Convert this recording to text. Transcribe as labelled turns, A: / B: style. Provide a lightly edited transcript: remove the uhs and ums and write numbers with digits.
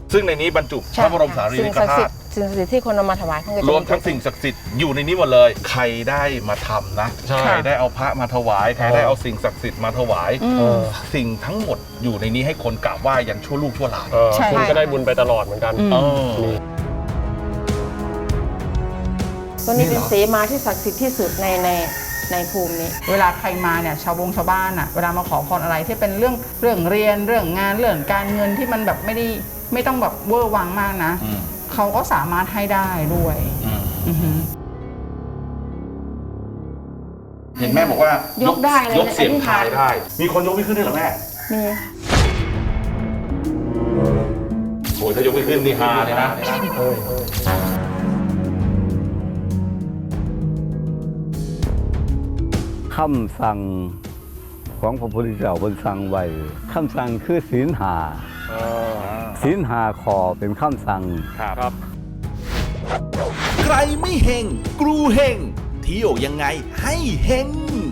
A: ซึ่งในนี้บรรจุพระบรมสารีริกธาตุ
B: สิ่งศักดิ์สิทธิ์ที่คนเอามาถวายท่านก็จะ
A: รวมทั้งสิ่งศักดิ์สิทธิ์อยู่ในนี้หมดเลย ใครได้มาทำนะใครได้เอาพระมาถวายใครได้เอาสิ่งศักดิ์สิทธิ์มาถวายสิ่งทั้งหมดอยู่ในนี้ให้คนกราบไหว้ยันชั่วลูกชั่วหลาน
C: คุณก็ได้บุญไปตลอดเหมือนกัน
B: ตัวนี้เป็นเสมาที่ศักดิ์สิทธิ์ที่สุดในภูมินี้
D: เวลาใครมาเนี่ยชาวบ้านอ่ะเวลามาขอพรอะไรที่เป็นเรื่องเรียนเรื่องงานเรื่องการเงินที่มันแบบไม่ต้องแบบเวอร์วังมากนะเขาก็สามารถให้ได้ด้วย
A: เห็นแม่บอกว่าย
B: กได้เลย
A: ยกเสียงทายได้ มีคนยกไม่ขึ้นด้วยเหรอแม่
B: มี
A: โอ้ยถ้ายกไม่ขึ้นนี่ฮาเลยนะ
E: คำสั่งของพระพุทธเจ้าบนสั่งไว้คำสั่งคือศีลหาศีลหาขอเป็นคำสั่ง
C: ครับ
F: ใครไม่เฮงกรูเฮงเที่ยวยังไงให้เฮง